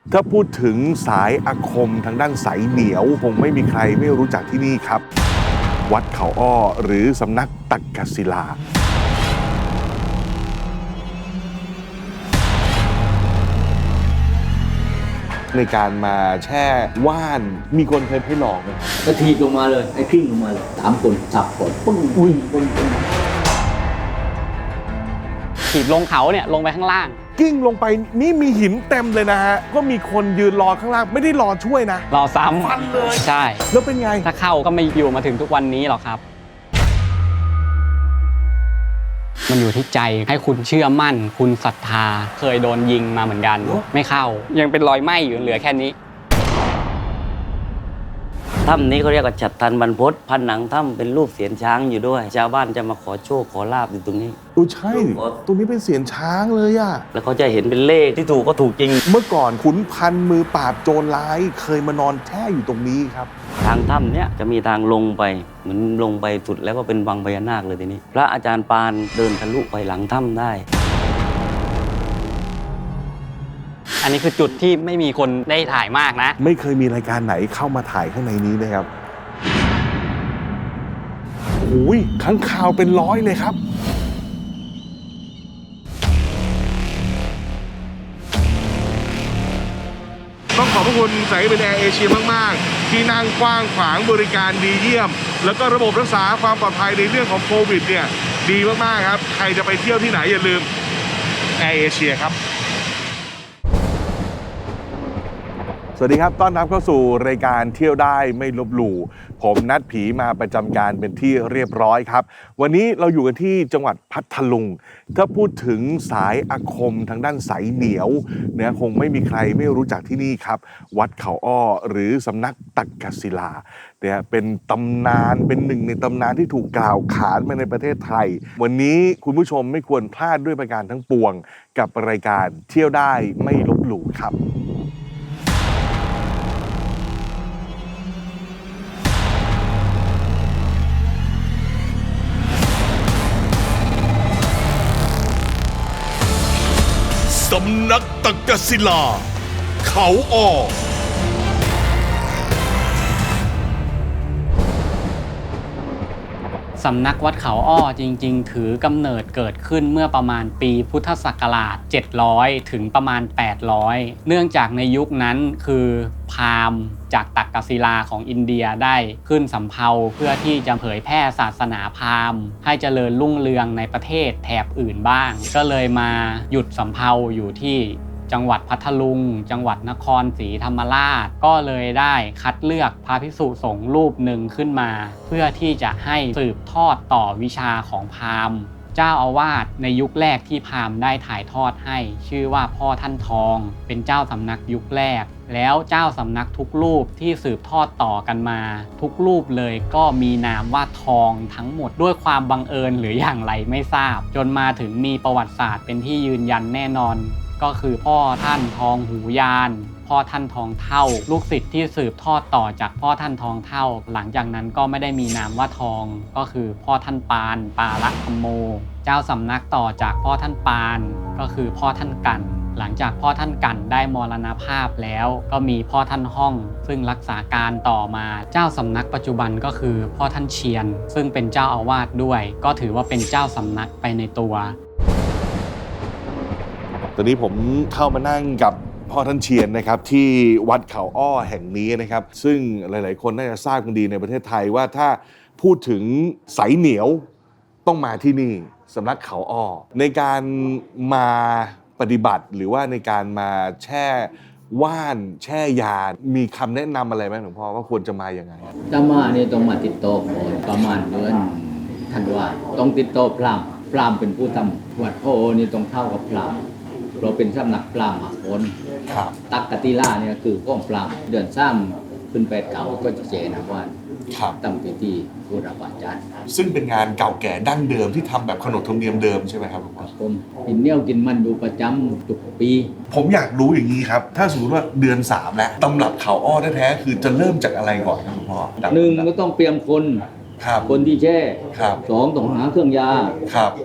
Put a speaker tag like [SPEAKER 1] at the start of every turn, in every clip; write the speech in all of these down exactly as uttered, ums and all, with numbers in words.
[SPEAKER 1] ถ้าพูดถึงสายอาคมทางด้านสายเหนียวคงไม่มีใครไม่รู้จักที่นี่ครับวัดเขาอ้อหรือสำนักตักกศิลาในการมาแช่ว่านมีคนเคยให้ลองไหมครับ
[SPEAKER 2] ก็ทีบลงมาเลยไอ้พิ้งลงมาเลยสามคนสับคนปึ้งอุ้ยปึ้งปึ้ง
[SPEAKER 3] ถีบลงเขาเนี่ยลงไปข้างล่าง
[SPEAKER 1] กิ้งลงไปนี่มีหินเต็มเลยนะฮะก็มีคนยืนรอข้างล่างไม่ได้รอช่วยนะ
[SPEAKER 3] รอซ้ำ
[SPEAKER 1] ฟันเลย
[SPEAKER 3] ใช่
[SPEAKER 1] แล้วเป็นไง
[SPEAKER 3] ถ้าเข้าก็ไม่อยู่มาถึงทุกวันนี้หรอกครับมันอยู่ที่ใจให้คุณเชื่อมั่นคุณศรัทธาเคยโดนยิงมาเหมือนกันไม่เข้ายังเป็นรอยไหม้อยู่เหลือแค่นี้
[SPEAKER 2] ถ้ำนี้เขาเรียกว่าฉัตรทันบรรพตผนังถ้ำเป็นรูปเสียนช้างอยู่ด้วยชาวบ้านจะมาขอโชคขอลาบอยู่ตรงนี้
[SPEAKER 1] โอ้ใช่ตรงนี้เป็นเสียนช้างเลยอะ
[SPEAKER 2] แล้วเขาจะเห็นเป็นเลขที่ถูกก็ถูกจริง
[SPEAKER 1] เมื่อก่อนขุนพันมือปราบโจรร้ายเคยมานอนแช่อยู่ตรงนี้ครับ
[SPEAKER 2] ทางถ้ำเนี้ยจะมีทางลงไปเหมือนลงไปสุดแล้วก็เป็นวังพญานาคเลยทีนี้พระอาจารย์ปานเดินทะลุไปหลังถ้ำได้
[SPEAKER 3] อันนี้คือจุดที่ไม่มีคนได้ถ่ายมากนะ
[SPEAKER 1] ไม่เคยมีรายการไหนเข้ามาถ่ายข้างในนี้นะครับโอ้ยค้างคาวเป็นร้อยเลยครับต้องขอบพระคุณสายการบินแอร์เอเชียมากๆที่นั่งกว้างขวางบริการดีเยี่ยมแล้วก็ระบบรักษาความปลอดภัยในเรื่องของโควิดเนี่ยดีมากๆครับใครจะไปเที่ยวที่ไหนอย่าลืมแอร์เอเชียครับสวัสดีครับต้อนรับเข้าสู่รายการเที่ยวได้ไม่ลบหลู่ผมนัดผีมาประจำการเป็นที่เรียบร้อยครับวันนี้เราอยู่กันที่จังหวัดพัทลุงถ้าพูดถึงสายอาคมทางด้านสายเหนียวเนี่ยคงไม่มีใครไม่รู้จักที่นี่ครับวัดเขาอ้อหรือสำนักตักกศิลาเนี่ยเป็นตำนานเป็นหนึ่งในตำนานที่ถูกกล่าวขานมาในประเทศไทยวันนี้คุณผู้ชมไม่ควรพลาดด้วยประการทั้งปวงกับรายการเที่ยวได้ไม่ลบหลู่ครับ
[SPEAKER 4] สำนักตักกศิลาเขาอ้อ
[SPEAKER 3] สำนักวัดเขาอ้อจริงๆถือกำเนิดเกิดขึ้นเมื่อประมาณปีพุทธศักราชเจ็ดร้อยถึงประมาณแปดร้อยเนื่องจากในยุคนั้นคือพราหมณ์จากตักกศิลาของอินเดียได้ขึ้นสำเภาเพื่อที่จะเผยแพร่ศาสนาพราหมณ์ให้เจริญรุ่งเรืองในประเทศแถบอื่นบ้างก็เลยมาหยุดสำเภาอยู่ที่จังหวัดพัทลุงจังหวัดนครศรีธรรมราชก็เลยได้คัดเลือกพระภิกษุสงฆ์รูปหนึ่งขึ้นมาเพื่อที่จะให้สืบทอดต่อวิชาของพราหมณ์เจ้าอาวาสในยุคแรกที่พราหมณ์ได้ถ่ายทอดให้ชื่อว่าพ่อท่านทองเป็นเจ้าสำนักยุคแรกแล้วเจ้าสำนักทุกรูปที่สืบทอดต่อกันมาทุกรูปเลยก็มีนามว่าทองทั้งหมดด้วยความบังเอิญหรืออย่างไรไม่ทราบจนมาถึงมีประวัติศาสตร์เป็นที่ยืนยันแน่นอนก็คือพ่อท่านทองหูยานพ่อท่านทองเท่าลูกศิษย์ที่สืบทอดต่อจากพ่อท่านทองเท่าหลังจากนั้นก็ไม่ได้มีนามว่าทองก็คือพ่อท่านปานปาละธรรมโมเจ้าสำนักต่อจากพ่อท่านปานก็คือพ่อท่านกันหลังจากพ่อท่านกันได้มรณภาพแล้วก็มีพ่อท่านห้องซึ่งรักษาการต่อมาเจ้าสำนักปัจจุบันก็คือพ่อท่านเชียนซึ่งเป็นเจ้าอาวาสด้วยก็ถือว่าเป็นเจ้าสำนักไปในตัว
[SPEAKER 1] ตอนนี้ผมเข้ามานั่งกับพ่อท่านเชียนนะครับที่วัดเขาอ้อแห่งนี้นะครับซึ่งหลายๆคนน่าจะทราบกันดีในประเทศไทยว่าถ้าพูดถึงสายเหนียวต้องมาที่นี่สำนักเขาอ้อในการมาปฏิบัติหรือว่าในการมาแช่ว่านแช่ยามีคำแนะนำอะไรไหมหลวงพ่อว่าควรจะมาอย่างไร
[SPEAKER 2] ถ้ามาเนี่ยต้องมาติดต่อก่อนประมาณเดือนธันวาต้องติดต่อพราหมณ์พราหมณ์เป็นผู้ทำวัดพ่อนี่ต้องเข้ากับพราหมณ์เราเป็นสำนักปรามหาคนตักกติลาเนี่ยคือก้องปรามเดือนซ้ำขึ้นไปเก่าก็จะเจนะวันตั้งพิธีบูรพาจารย์
[SPEAKER 1] ซึ่งเป็นงานเก่าแก่ดั้งเดิมที่ทำแบบขนบธรรมเนียมเดิมใช่ไหมครับ
[SPEAKER 2] ครับผมกินเนี้ยวกินมันอยู่ประจำทุกปี
[SPEAKER 1] ผมอยากรู้อย่างนี้ครับถ้าสมมติว่าเดือนสามแล้วตำรับเขาอ้อแท้ๆคือจะเริ่มจากอะไรก่อนครับหลวงพ่อ
[SPEAKER 2] หนึ่งก็ต้องเตรียมคนคนที่แช่สองต้องหาเครื่องยาส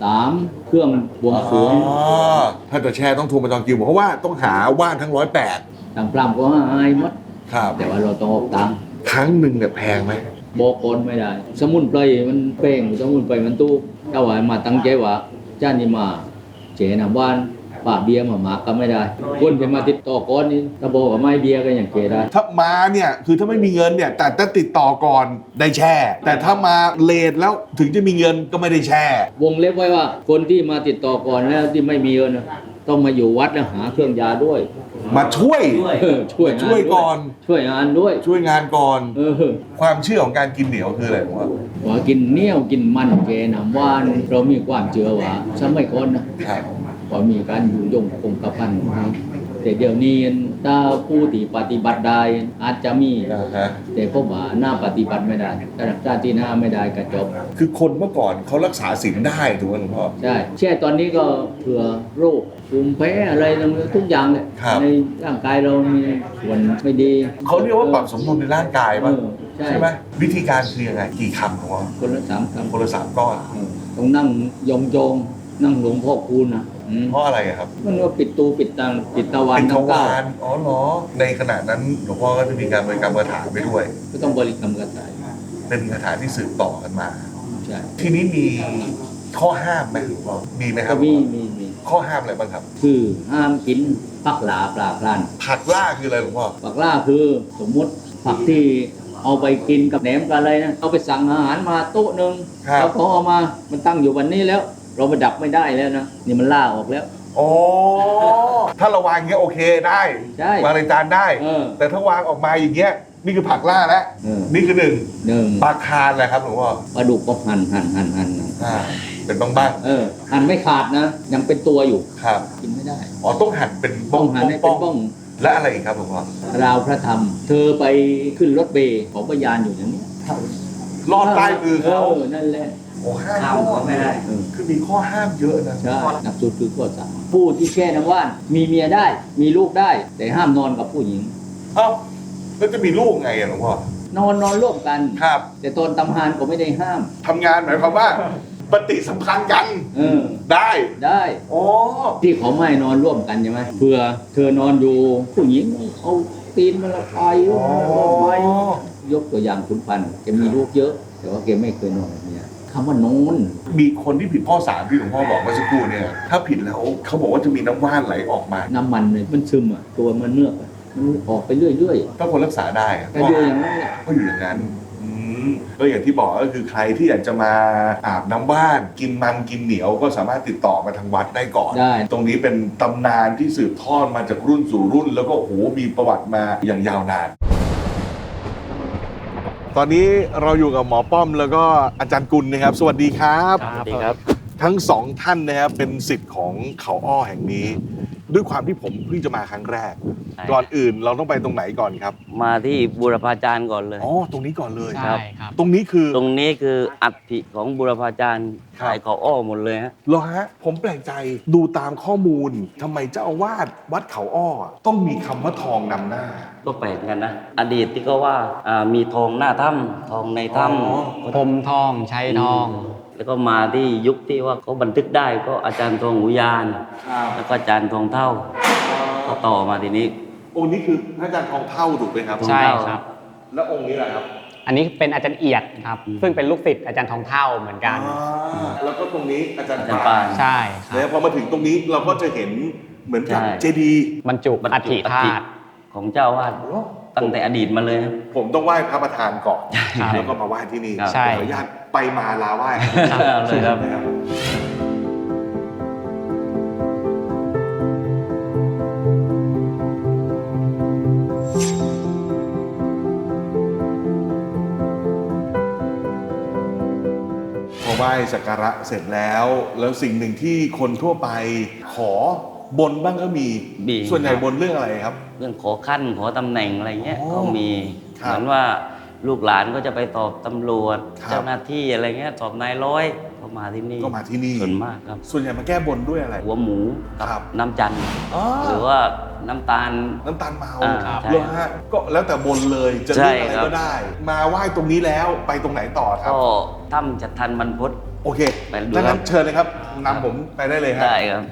[SPEAKER 2] สามเครื่องบวงสรวง
[SPEAKER 1] อ๋อถ้าจะแช่ต้องโทรมาจองคิวเพราะว่าต้องหาว่านทั้งร้อยแปด
[SPEAKER 2] ทางพรามก็ให้หมด
[SPEAKER 1] ครับ
[SPEAKER 2] แต่ว่าเราต้องออกตังค์
[SPEAKER 1] ครั้งหนึ่งเนี่ยแพงไหม
[SPEAKER 2] บอกคนไม่ได้ สมุนไพรมันเป้งสมุนไพรมันตู้ถ้าว่ามาตั้งใจว่าจ้านี่มาเจนะบ้านป่าเบียร์มาหมาก็ไม่ได้คนจะมาติดต่อก่อนนี่ถ้าบอกว่าไม่เบียร์ก็อย่างเกได้
[SPEAKER 1] ถ้ามาเนี่ยคือถ้าไม่มีเงินเนี่ยแต่ถ้าติดต่อก่อนได้แช่ แต่ถ้ามาเลทแล้วถึงจะมีเงินก็ไม่ได้แช่
[SPEAKER 2] วงเล็บไว้ว่าคนที่มาติดต่อก่อนแล้วที่ไม่มีเงินน่ะต้องมาอยู่วัดแล้วหาเครื่องยาด้วย
[SPEAKER 1] มาช่วย
[SPEAKER 2] เออช่วยงาน
[SPEAKER 1] ช่วยก่อน
[SPEAKER 2] ช่วยงานด้วย
[SPEAKER 1] ช่วยงานก่อน
[SPEAKER 2] เออ
[SPEAKER 1] ความเชื่อของการกินเหนียวคืออะไรผมว่า
[SPEAKER 2] ว่ากินเหนียวกินมันเกน้ำว่านเรามีความเชื่อว่าสมัยก่อนนะครับ ว่ามีการอยู่ยงคงกระพันแต่เดี๋ยวนี้ถ้าผู้ที่ปฏิบัติได้อาจจะมี
[SPEAKER 1] อ่าฮะ
[SPEAKER 2] แต่พวกว่าหน้าปฏิบัติไม่ได้ถ้ารักษาที่หน้าไม่ได้ก็จบ
[SPEAKER 1] คือคนเมื่อก่อนเขารักษาศีลได้ถูกไหมหลวงพ่อ
[SPEAKER 2] ใช่แช่ตอนนี้ก็เผื่อโรคภูมิแพ้อะไรทุกอย่างเลย
[SPEAKER 1] ครับ
[SPEAKER 2] ในร่างกายเรามีส่วนไม่ดี
[SPEAKER 1] เขาเรียกว่าปรับสมดุลในร่างกายป่ะ
[SPEAKER 2] เออใช่
[SPEAKER 1] ใช่ไหมวิธีการคือยังไงกี่คำหลวงพ่อ
[SPEAKER 2] คนละสามคำ
[SPEAKER 1] คนละสามก้อน
[SPEAKER 2] เออต้องนั่งยองยองๆนั่งหลวงพ่อคูณนะอืม
[SPEAKER 1] เพราะอะไรอะครับ
[SPEAKER 2] มันก็ปิดตูปิดตาปิดตะวัน
[SPEAKER 1] เป็นท
[SPEAKER 2] ทั้งเก้าว
[SPEAKER 1] ารอ๋อเหรอในขณะนั้นหลวงพ่อก็จะมีการบริกรรมคาถาไปด้วย
[SPEAKER 2] ก็ต้องบริกรรมกระต่าย
[SPEAKER 1] เป็นคาถาที่สืบต่อกันมา
[SPEAKER 2] ใช่
[SPEAKER 1] ทีนี้มีข้อห้ามไหมหลวงพ่อมีไหมค
[SPEAKER 2] ก็
[SPEAKER 1] รับ
[SPEAKER 2] มีมีมี
[SPEAKER 1] ข้อห้ามอะไรบ้างครับ
[SPEAKER 2] คือห้ามกินผักหลาปลาพลัน
[SPEAKER 1] ผักล่าคืออะไรหลวงพ่อ
[SPEAKER 2] ผักล่าคือสมมุติผักที่เอาไปกินกับแหนมกับอะไรนะเอาไปสั่งอาหารมาโต๊ะหนึ่ง
[SPEAKER 1] ครับ
[SPEAKER 2] แล้วพอเอามามันตั้งอยู่วันนี้แล้ว เราไปดับไม่ได้แล้วนะนี่มันล่าออกแล้ว
[SPEAKER 1] อ๋อถ้าเราวางอย่างเงี้ยโอเคได้
[SPEAKER 2] ใช่
[SPEAKER 1] วางในจานได้
[SPEAKER 2] เออ
[SPEAKER 1] แต่ถ้าวางออกมาอย่างเงี้ยนี่คือผักล่าแล้ว
[SPEAKER 2] เออ
[SPEAKER 1] นี่คือหนึ่ง
[SPEAKER 2] หนึ่ง
[SPEAKER 1] ปลาคาร์นแหละครับหลวงพ่อ
[SPEAKER 2] ปลาดุกก็หั่นหั่นหั่นหั่นนะ
[SPEAKER 1] อ่าเป็นบ้างบ้าง
[SPEAKER 2] เออหั่นไม่ขาดนะ ยังเป็นตัวอยู่
[SPEAKER 1] ๆครับ
[SPEAKER 2] กินไม่ได้
[SPEAKER 1] อ๋อต้องหั่นเป็นบ้
[SPEAKER 2] ต้
[SPEAKER 1] อ
[SPEAKER 2] อง งหั่นให้เป็นบ้อง
[SPEAKER 1] ๆและอะไรอีกครับหลวงพ่อ
[SPEAKER 2] ราวพระธรรม เธอไปขึ้นรถเบย์ของพยานอยู่อย่างนี้
[SPEAKER 1] ลอดใต้มือเขา
[SPEAKER 2] เออนั่นแหละ
[SPEAKER 1] โอ้ห้าม
[SPEAKER 2] ข้ามก็ไม่ได้เออ
[SPEAKER 1] คือมีข้อห้ามเยอะนะ
[SPEAKER 2] ใช่หนักสุดคือข้อสามผู้ที่แช่น้ำว่านมีเมียได้ มีลูกได้ แต่ห้ามนอนกับผู้หญิง
[SPEAKER 1] เอ้าแล้วจะมีลูกไงอะหลวงพ่อน
[SPEAKER 2] อนนอนร่วมกัน
[SPEAKER 1] ครับ
[SPEAKER 2] แต่ตอนตำหานก็ไม่ได้ห้าม
[SPEAKER 1] ทำงานหมายความว่าปฏิสัมพันธ์กัน
[SPEAKER 2] เออ
[SPEAKER 1] ได้
[SPEAKER 2] ได้
[SPEAKER 1] อ๋อ
[SPEAKER 2] ที่เขาไม่นอนร่วมกันใช่ไหมเพื่อเธอนอนอยู่ผู้หญิงเอาตีนมาละไป
[SPEAKER 1] อ๋อ
[SPEAKER 2] ไปยกตัวอย่างคุณพันธุ์แกมีลูกเยอะ แต่ว่าแกไม่เคยนอนกับเมียคำว่านอน
[SPEAKER 1] มีคนที่ผิดข้อสามที่หลวงพ่อบอกเมื่อสักครู่เนี่ย ถ้าผิดแล้วเขาบอกว่าจะมีน้ำว่านไหลออกมา
[SPEAKER 2] น้ำมันเนี่ยมันซึมอ่ะตัวมันเนื้อกอะมันออกไปเรื่อย
[SPEAKER 1] ถ้าคนรักษาได้อะ
[SPEAKER 2] ๆแต่อยู่อย่างนั้นแหละ
[SPEAKER 1] ก็อยู่อย่างนั้นอืมก็อย่างที่บอกก็คือใครที่อยากจะมาอาบน้ำว่าน กินมันกินเหนียวก็สามารถติดต่อมาทางวัดได้ก่อน
[SPEAKER 2] ได้
[SPEAKER 1] ตรงนี้เป็นตำนานที่สืบทอดมาจากรุ่นสู่รุ่น แล้วก็โอ้โหมีประวัติมาอย่างยาวนาน ตอนนี้เราอยู่กับหมอป้อมแล้วก็อาจารย์กุลนะครับ สวัสดีครับ
[SPEAKER 3] ครับ
[SPEAKER 5] ดีครับ
[SPEAKER 1] ทั้งสองท่านนะครับเป็นศิษย์ของเขาอ้อแห่งนี้ ด้วยความที่ผมเพิ่งจะมาครั้งแรก
[SPEAKER 5] ใช่
[SPEAKER 1] ก่อนอื่นเราต้องไปตรงไหนก่อนครับ
[SPEAKER 5] มาที่บูรพาจารย์ก่อนเลย
[SPEAKER 1] อ๋อตรงนี้ก่อนเลย
[SPEAKER 3] ใช่ครับ
[SPEAKER 1] ตรงนี้คือ
[SPEAKER 5] ตรงนี้คืออัฐิของบูรพาจารย์
[SPEAKER 1] ครับ
[SPEAKER 5] ขายเขาอ้อหมดเลยฮะ
[SPEAKER 1] เหรอฮะผมแปลกใจดูตามข้อมูลทำไมเจ้าอาวาสวัดเขาอ้อต้องมีคำว่าทองนำหน้า
[SPEAKER 5] ก็แปลกเหมือนกันนะ อดีตที่ก็ว่าอ่ามีทองหน้าถ้ำทองในถ้
[SPEAKER 1] อ๋อ
[SPEAKER 3] พรมทองใช้ทอง
[SPEAKER 5] ำแล้วก็มาที่ยุคที่ว่าเขาบันทึกได้ก็อาจารย์ทองหูยาน แล้วก็อาจารย์ทองเท่าก็ต่อมาทีนี้
[SPEAKER 1] องค์นี้คือพระอาจารย์ทองเท่าถูกไหมครับ
[SPEAKER 3] ใช่ครับ
[SPEAKER 1] แล้วองค์นี้แหละครับ
[SPEAKER 3] อันนี้เป็นอาจารย์เอียดครับ ซึ่งเป็นลูกศิษย์อาจารย์ทองเท่าเหมือนกัน
[SPEAKER 1] อ่าแล้วก็ตรงนี้อาจารย์
[SPEAKER 5] อาจารย์
[SPEAKER 1] ปา
[SPEAKER 5] ปาน น
[SPEAKER 3] ใช่ครั
[SPEAKER 1] แล้ว
[SPEAKER 3] บ
[SPEAKER 1] พอมาถึงตรงนี้เราก็จะเห็นเหมือนกับ
[SPEAKER 5] ใช่
[SPEAKER 1] เจดีย์
[SPEAKER 3] บรรจุ
[SPEAKER 5] บรร
[SPEAKER 3] อั
[SPEAKER 5] จุ
[SPEAKER 3] ฐิ
[SPEAKER 5] อั
[SPEAKER 3] ธา
[SPEAKER 5] ฐิ
[SPEAKER 3] ตุ
[SPEAKER 5] ของเจ้าอาวาดตั้งแต่อดีตมาเลยนะ
[SPEAKER 1] ผมต้องไหว้พระประธานก่อน
[SPEAKER 3] ครับ
[SPEAKER 1] แล้วก็มาไหว้ที่นี่
[SPEAKER 5] ครับ
[SPEAKER 3] ใช่
[SPEAKER 1] ขออนุญาตไปมาลาไหว้
[SPEAKER 5] เอาเลยครับ
[SPEAKER 1] นะครับพอไหว้สักการะเสร็จแล้ว แล้วสิ่งหนึ่งที่คนทั่วไปขอบนบ้างก็มี
[SPEAKER 5] มี
[SPEAKER 1] ส่วนใหญ่บนเรื่องอะไรครับ
[SPEAKER 5] เรื่องขอขั้นขอตำแหน่งอะไรเงี้ย
[SPEAKER 1] อ๋อ
[SPEAKER 5] ก็มี
[SPEAKER 1] ครับ
[SPEAKER 5] เหมือนว่าลูกหลานก็จะไปตอบตำรวจ
[SPEAKER 1] ครับ
[SPEAKER 5] เจ้าหน้าที่อะไรเงี้ยสอบนายร้อยก็มาที่นี่
[SPEAKER 1] ก็มาที่นี่
[SPEAKER 5] ส่วนมากครับ
[SPEAKER 1] ส่วนใหญ่มาแก้บนด้วยอะไร
[SPEAKER 5] หัวหมูกั
[SPEAKER 1] ครับ
[SPEAKER 5] น้ำจันทร์
[SPEAKER 1] อ๋อ
[SPEAKER 5] หรือว่าน้ำตาล
[SPEAKER 1] น้ำตาลเมา
[SPEAKER 5] อ่า
[SPEAKER 1] ครับ
[SPEAKER 5] ใช่
[SPEAKER 1] เหรอฮะก็แล้วแต่บนเลยจะ
[SPEAKER 5] ใช่
[SPEAKER 1] เรื่องอะไร
[SPEAKER 5] ครับ
[SPEAKER 1] ก็ได้ มาไหว้ตรงนี้แล้วไปตรงไหนต่อครับ
[SPEAKER 5] ก็ถ้ำจัดทันบรรพต
[SPEAKER 1] โอเค
[SPEAKER 5] ไปดู
[SPEAKER 1] ดัง
[SPEAKER 5] ครั
[SPEAKER 1] นั้
[SPEAKER 5] บ
[SPEAKER 1] นเชิญเลยครับนำผมไปได้เลยฮะ
[SPEAKER 5] ได้ครับ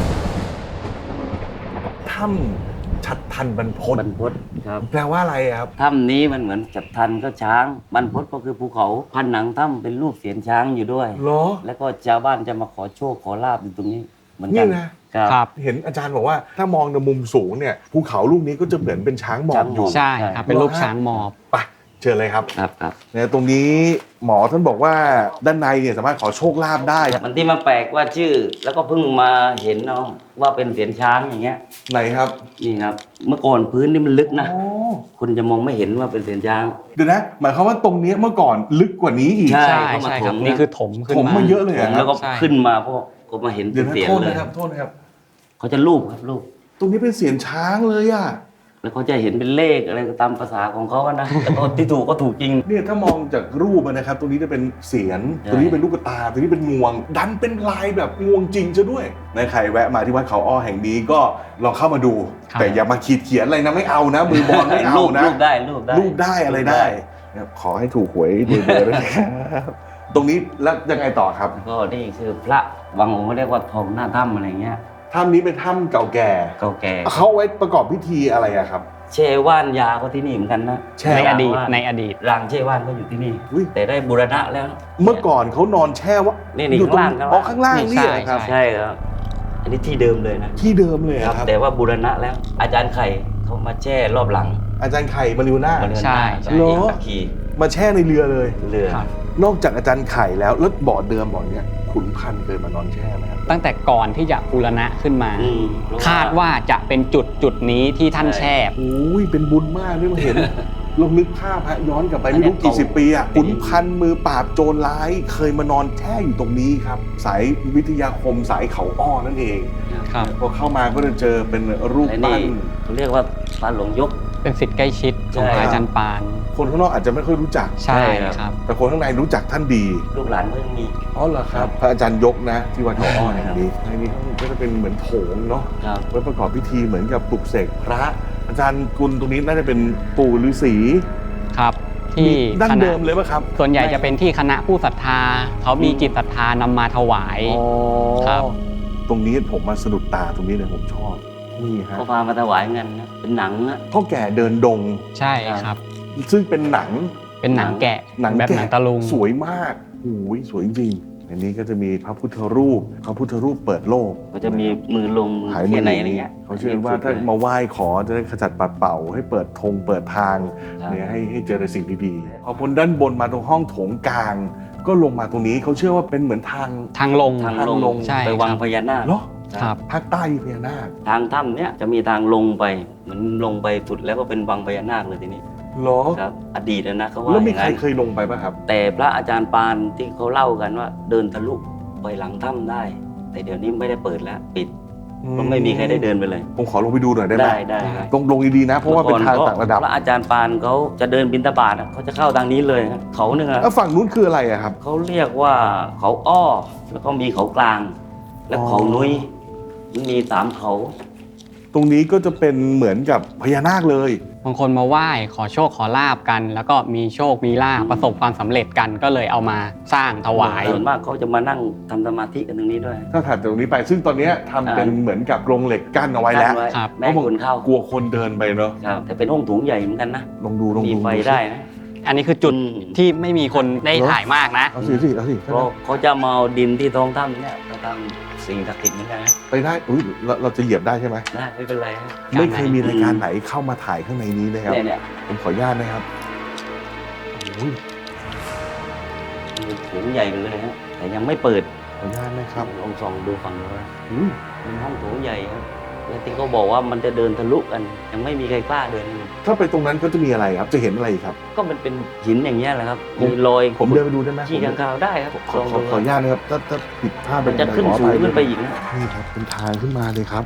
[SPEAKER 1] ถ้ำชัดทันบรรพต
[SPEAKER 5] บรรพตครับ
[SPEAKER 1] แปลว่าอะไรอะครับ
[SPEAKER 5] ถ้ำนี้มันเหมือนจับทันก็ช้างบรรพตก็คือภูเขาผนังถ้ำเป็นรูปเสียนช้างอยู่ด้วย
[SPEAKER 1] เหรอ
[SPEAKER 5] แล้วก็ชาวบ้านจะมาขอโชคขอลาบอยู่ตรงนี้เหมือนกั
[SPEAKER 1] นี่
[SPEAKER 5] น
[SPEAKER 1] นะ
[SPEAKER 5] ครับ
[SPEAKER 3] ครับ
[SPEAKER 1] เห็นอาจารย์บอกว่าถ้ามองในมุมสูงเนี่ยภูเขาลูกนี้ก็จะเหมือนเป็นช้างหมอบอยู่
[SPEAKER 3] ใช่ครับ เป็นรูปช้างหมอบ
[SPEAKER 1] ไปเชิญเลยครับ
[SPEAKER 5] ครับครับ
[SPEAKER 1] เนี่ยตรงนี้หมอท่านบอกว่าด้านในเนี่ยสามารถขอโชคลาภได้
[SPEAKER 5] มันที่มาแปลกว่าชื่อ แล้วก็เพิ่งมาเห็นเนาะว่าเป็นเสียนช้างอย่างเงี้ย
[SPEAKER 1] ไหนครับ
[SPEAKER 5] นี่ครับ เมื่อก่อนพื้นนี่มันลึกนะ
[SPEAKER 1] อ๋อ
[SPEAKER 5] คุณจะมองไม่เห็นว่าเป็นเสียนช้าง
[SPEAKER 1] เดี๋ยวนะ หมายความว่าตรงเนี้ยเมื่อก่อนลึกกว่านี้อีก
[SPEAKER 5] ใช่
[SPEAKER 3] ใช่
[SPEAKER 5] เข้ามา
[SPEAKER 3] ใช่ครับ
[SPEAKER 5] ถม
[SPEAKER 3] นี่คือถมขึ้น
[SPEAKER 1] ถม
[SPEAKER 3] มา
[SPEAKER 1] มาเยอะเลยเหรอค
[SPEAKER 5] แล้
[SPEAKER 1] รั
[SPEAKER 5] ว
[SPEAKER 1] บ
[SPEAKER 5] ก็
[SPEAKER 3] ใช่
[SPEAKER 5] ขึ้นมาพวกก็มาเห็น
[SPEAKER 1] เดี๋
[SPEAKER 5] เป็
[SPEAKER 1] ยวน นะ
[SPEAKER 5] เสียน
[SPEAKER 1] โทษ
[SPEAKER 5] เลย
[SPEAKER 1] นะครับโทษนะครับ
[SPEAKER 5] เขาจะรูปครับรูป
[SPEAKER 1] ตรงนี้เป็นเสียงช้างเลยอ่ะ
[SPEAKER 5] แล้วเขาจะเห็นเป็นเลขอะไรก็ตามภาษาของเขาอะนะแต่ก็ที่ถูกก็ถูกจริง
[SPEAKER 1] เนี่ยถ้ามองจากรูปอะนะครับ ตรงนี้จะเป็นเสียน
[SPEAKER 5] ใช่
[SPEAKER 1] ตรงนี้เป็นลูกตาตรงนี้เป็นงวง ดันเป็นลายแบบงวงจริงซะด้วยในใครแวะมาที่วัดเขาอ้อแห่งนี้ก็ลองเข้ามาดู
[SPEAKER 3] ครับ
[SPEAKER 1] แต่อย่ามาขีดเขียนอะไรนะไม่เอานะ มือบอลไม่เอา
[SPEAKER 5] รูป
[SPEAKER 1] นะ
[SPEAKER 5] รูปได้รูปได้
[SPEAKER 1] รูปได้อะไรได้นะครับขอให้ถูกหวยรวยๆด้วยนะครับตรงนี้แล้วยังไงต่อครับ
[SPEAKER 5] ก็นี่คือพระบางองค์เขาเรียกว่าทองหน้าถ้ำอะไรเงี้ย
[SPEAKER 1] ถ้ำนี้เป็นถ้ำเก่าแก่
[SPEAKER 5] เก่าแก่
[SPEAKER 1] เขาเอาไว้ประกอบพิธีอะไรอะครับ
[SPEAKER 5] เช่ว่านยาก็ที่นี่เหมือนกันนะ
[SPEAKER 1] แช่
[SPEAKER 3] ในอดีต
[SPEAKER 5] ว่าน
[SPEAKER 3] ในอดีต
[SPEAKER 5] รางเช่ว่านก็อยู่ที่นี่
[SPEAKER 1] อุ๊ย
[SPEAKER 5] แต่ได้บูรณะแล้ว
[SPEAKER 1] เมื่อก่อนเขานอนแช่ว่า
[SPEAKER 5] นี่นี่
[SPEAKER 1] อยู่ตรง
[SPEAKER 5] ข้างล่าง
[SPEAKER 1] อ๋อข้างล่าง
[SPEAKER 3] นี่
[SPEAKER 1] นี่
[SPEAKER 3] ใช่
[SPEAKER 1] เหรอครับ
[SPEAKER 3] ใช่
[SPEAKER 5] ใช่ครับ อันนี้ที่เดิมเลยนะ
[SPEAKER 1] ที่เดิมเลยเหรอครับ
[SPEAKER 5] แต่ว่าบูรณะแล้ว อาจารย์ไข่เขามาแช่รอบหลัง
[SPEAKER 1] อาจารย์ไข่มาริวนา
[SPEAKER 5] มาเรือน
[SPEAKER 3] ใช่
[SPEAKER 5] หน้า
[SPEAKER 3] ใช่
[SPEAKER 1] เหรอ
[SPEAKER 5] ตะคี
[SPEAKER 1] มาแช่ในเรือเลย
[SPEAKER 5] เรือ
[SPEAKER 3] ครับ
[SPEAKER 1] นอกจากอาจารย์ไข่แล้วแล้วบ่อเดิมบ่อเนี้ยขุนพันธุ์เคยมานอนแช่ไหมครับ
[SPEAKER 3] ตั้งแต่ก่อนที่จะบูรณะขึ้นมา
[SPEAKER 5] อืม
[SPEAKER 3] คาดว่าจะเป็นจุดจุดนี้ที่ท่านแช่
[SPEAKER 1] โอ้ยเป็นบุญมากที่มาเห็น ลองนึกภาพฮะย้อนกลับไปไม่รู้กี่สิบปีอะขุนพันธุ์มือปราบโจรร้ายเคยมานอนแช่อยู่ตรงนี้ครับ สายวิทยาคมสายเขาอ้อนั่นเอง
[SPEAKER 3] ครับ
[SPEAKER 1] พอเข้ามาก็จะเจอเป็นรูป
[SPEAKER 5] และ
[SPEAKER 1] ปั้
[SPEAKER 5] นี่
[SPEAKER 1] น
[SPEAKER 5] เขาเรียกว่าปลาหลวงยก
[SPEAKER 3] เป็นสิทธิ์ใกล้ชิดของ
[SPEAKER 5] ใช่
[SPEAKER 3] พระอาจารย์ปาน
[SPEAKER 1] คนข้างนอกอาจจะไม่ค่อยรู้จัก
[SPEAKER 3] ใช่
[SPEAKER 5] ใช่ครับ
[SPEAKER 3] ครับ
[SPEAKER 1] แต่คนข้างในรู้จักท่านดี
[SPEAKER 5] ลูกหลานก็ยังมี
[SPEAKER 1] อ๋อเหรอครับ พระอาจารย์ยกนะ ที่วัดเขาอ้อแห่งนี้ในนี้ก็จะเป็นเหมือนโถงเนาะ
[SPEAKER 5] ครับ
[SPEAKER 1] ไว้ประกอบพิธีเหมือนกับปลุกเสกพระ อาจารย์กุลตรงนี้น่าจะเป็นปู่ฤาษี
[SPEAKER 3] ครับที่
[SPEAKER 1] ดั้ง
[SPEAKER 3] คณะ
[SPEAKER 1] เดิมเลยป่ะครับ
[SPEAKER 3] ส่วนใหญ่จะเป็นที่คณะผู้ศรัทธา เขามีจิตศรัทธานำมาถวาย
[SPEAKER 1] อ๋อ
[SPEAKER 3] ครับ
[SPEAKER 1] ตรงนี้ผมมาสะดุดตาตรงนี้เลยผมชอบนี่ฮะ
[SPEAKER 5] เขาพามาถวายเงินนะเป็นหนังนะ
[SPEAKER 1] พ่อแก่เดินดง
[SPEAKER 3] ใช่ครับ
[SPEAKER 1] ซึ่งเป็นหนัง
[SPEAKER 3] เป็นหนังแกะ
[SPEAKER 1] หนัง
[SPEAKER 3] แบบ
[SPEAKER 1] แกะ
[SPEAKER 3] หนังตะลุง
[SPEAKER 1] สวยมากโอ้ยสวยจริงอันนี้ก็จะมีพระพุทธรูป พระพุทธรูปเปิดโลก
[SPEAKER 5] ก็จะมีมือลงมือ
[SPEAKER 1] หาย
[SPEAKER 5] แค่
[SPEAKER 1] มื
[SPEAKER 5] ไหนอะไรเงี้ย
[SPEAKER 1] เขาเชื่อว่าถ้ามาไหว้ขอจะได้ขจัดปัดเป่า ให้เปิดธงเปิดทาง
[SPEAKER 5] ครับ
[SPEAKER 1] เนี่ยให้ให้เจอแต่สิ่งดีๆพอพ้นด้านบนมาตรงห้องโถงกลาง ก็ลงมาตรงนี้เขาเชื่อว่าเป็นเหมือนทาง
[SPEAKER 3] ทางลง
[SPEAKER 5] ทาง
[SPEAKER 1] ทางล
[SPEAKER 5] ล
[SPEAKER 1] ง
[SPEAKER 5] ง
[SPEAKER 3] ใช่
[SPEAKER 5] ไปวัง
[SPEAKER 3] ครับ
[SPEAKER 5] พญานาค
[SPEAKER 1] เหรอ
[SPEAKER 3] ครับ
[SPEAKER 1] ภาคใต้มีพญานาค
[SPEAKER 5] ทางถ้ำเนี้ยจะมีทางลงไปเหมือนลงไปสุดแล้วก็เป็นวังพญานาคเลยทีนี้
[SPEAKER 1] เหรอ
[SPEAKER 5] ครับ อดีตนะเขาว่า
[SPEAKER 1] แล้ว
[SPEAKER 5] อ
[SPEAKER 1] มี
[SPEAKER 5] ย่าง
[SPEAKER 1] ใคร
[SPEAKER 5] นั้น
[SPEAKER 1] เคยลงไปป่ะครับ
[SPEAKER 5] แต่พระอาจารย์ปานที่เขาเล่ากันว่าเดินทะลุไปหลังถ้ำได้ แต่เดี๋ยวนี้ไม่ได้เปิดแล้วปิดเพราะไม่มีใครได้เดินไปเลย
[SPEAKER 1] ผมขอลงไปดูหน่อยได้ไหม
[SPEAKER 5] ได้ได้ครับ
[SPEAKER 1] ตรงลงดีๆนะ เพราะว่าเป็นทาง
[SPEAKER 5] มื่อก่อ
[SPEAKER 1] ต่างระดับ
[SPEAKER 5] พระอาจารย์ปานเขาจะเดินบิณฑบาตอะเขาจะเข้าทางนี้เลยครับเขาหนึ่งอะ
[SPEAKER 1] แล้วฝั่งนู้นคืออะไรอะครับ
[SPEAKER 5] เขาเรียกว่าเขาอ้อ แล้วก็มีเขากลาง และ
[SPEAKER 1] อ๋อ
[SPEAKER 5] เขานุ้ยมันมีสามเขา
[SPEAKER 1] ตรงนี้ก็จะเป็นเหมือนกับพญานาคเลย
[SPEAKER 3] บางคนมาไหว้ขอโชคขอลาบกัน แล้วก็มีโชคมีลาภประสบความสำเร็จกันก็เลยเอามาสร้างถวาย
[SPEAKER 5] ส่วนมากเขาจะมานั่งทำสมาธิกันตรงนี้ด้วย
[SPEAKER 1] ถ้าถัดจากตรงนี้ไป ซึ่งตอนเนี้ยทำเป็น
[SPEAKER 5] อ่า
[SPEAKER 1] เหมือนกับโรงเหล็กกั้นเอาไว้แล้ว
[SPEAKER 5] กั้น
[SPEAKER 3] ครับ
[SPEAKER 5] ไม่ให้คนเข้าก
[SPEAKER 1] ลัวคนเดินไปเนาะ
[SPEAKER 5] ครับแต่เป็นห้องโถุงใหญ่เหมือนกันนะ
[SPEAKER 1] ลองดูลอง
[SPEAKER 5] มี
[SPEAKER 1] ดู
[SPEAKER 5] ไฟได้นะ
[SPEAKER 3] อันนี้คือจุด
[SPEAKER 5] อืม
[SPEAKER 3] ที่ไม่มีคนได้ถ่ายมากนะ
[SPEAKER 1] เอาสิสิเอาสิ
[SPEAKER 5] เพราะเขาจะมาเอาดินที่ท้องถ้ำเนี่ยมาทำสิ่งศักดิ์สิทธิ์เหมือนกันนะ
[SPEAKER 1] ไปได้อุ้ยเราเราจะเหยียบได้ใช่ไหม
[SPEAKER 5] ได้ไม่เป็นไรฮะ
[SPEAKER 1] ไม่เคยมีรายการไหนเข้ามาถ่ายข้างในนี้เลยครับ
[SPEAKER 5] เนี่ยเนี่ย
[SPEAKER 1] ผมขออนุญาตนะครับโอ้ย
[SPEAKER 5] มีโถุงใหญ่ไปเลยฮะแต่ยังไม่เปิด
[SPEAKER 1] ขออนุญาตนะครับ
[SPEAKER 5] ลองส่องดูฝั่งนู้นนะ
[SPEAKER 1] อุ้ย
[SPEAKER 5] เป็นห้องโถงใหญ่ครับแล้วที่เขาบอกว่ามันจะเดินทะลุกัน ยังไม่มีใครกล้าเดินเลย
[SPEAKER 1] ถ้าไปตรงนั้นก็จะมีอะไรครับ จะเห็นอะไรครับ
[SPEAKER 5] ก็มันเป็นหินอย่างเงี้ยแหละครับ
[SPEAKER 1] ผม
[SPEAKER 5] มีรอย
[SPEAKER 1] ผมเดินไปดูได้ไหม
[SPEAKER 5] ขี้ข้างคาวได้ครับ
[SPEAKER 1] ขอขอขออนุญาตนะครับถ้าถ้าผิดพลาด
[SPEAKER 5] มันจะขึ้นสูงขึ้นไปอีกนะ
[SPEAKER 1] นี่ครับเป็นทางขึ้นมาเลยครับ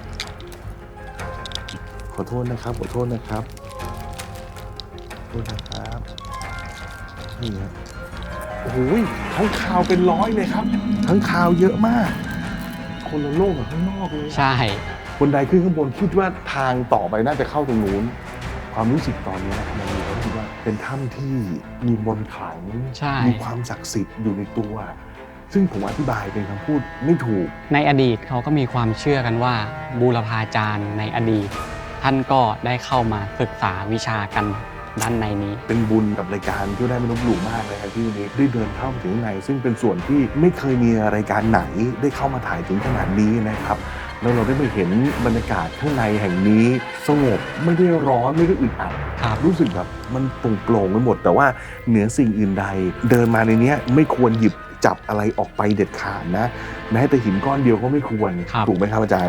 [SPEAKER 1] ขอโทษนะครับ ขอโทษนะครับขอโทษนะครับนี่ครับโอ้โหทั้งคาวเป็นร้อยเลยครับ ทั้งคาวเยอะมาก คนละโลกกับข้างนอกเลย
[SPEAKER 3] ใช่
[SPEAKER 1] คนใดขึ้นข้างบนคิดว่าทางต่อไปน่าจะเข้าตรงนู้น ความรู้สึกตอนนี้มันมีความรู้สึกว่าเป็นถ้ำที่มีมนต์ขลัง
[SPEAKER 3] ใช่
[SPEAKER 1] มีความศักดิ์สิทธิ์อยู่ในตัวซึ่งผมอธิบายเป็นคำพูดไม่ถูก
[SPEAKER 3] ในอดีตเขาก็มีความเชื่อกันว่าบูรพาจารย์ในอดีต ท่านก็ได้เข้ามาศึกษาวิชากันด้านในนี้
[SPEAKER 1] เป็นบุญกับรายการที่ได้ไม่ลบหลู่มากเลยครับที่วันนี้ได้เดินเข้ามาถึงข้างในซึ่งเป็นส่วนที่ไม่เคยมีรายการไหนได้เข้ามาถ่ายถึงขนาดนี้นะครับแล้วเราได้ไปเห็นบรรยากาศข้างในแห่งนี้สงบไม่ได้ร้อนไม่ได้อึดอัด
[SPEAKER 3] ครับ
[SPEAKER 1] รู้สึกแบบมันโปร่งๆไปหมดแต่ว่าเหนือสิ่งอื่นใด เดินมาในเนี้ยไม่ควรหยิบจับอะไรออกไปเด็ดขาดนะแม้แต่หินก้อนเดียวก็ไม่ควรถูกไหมครับอาจารย์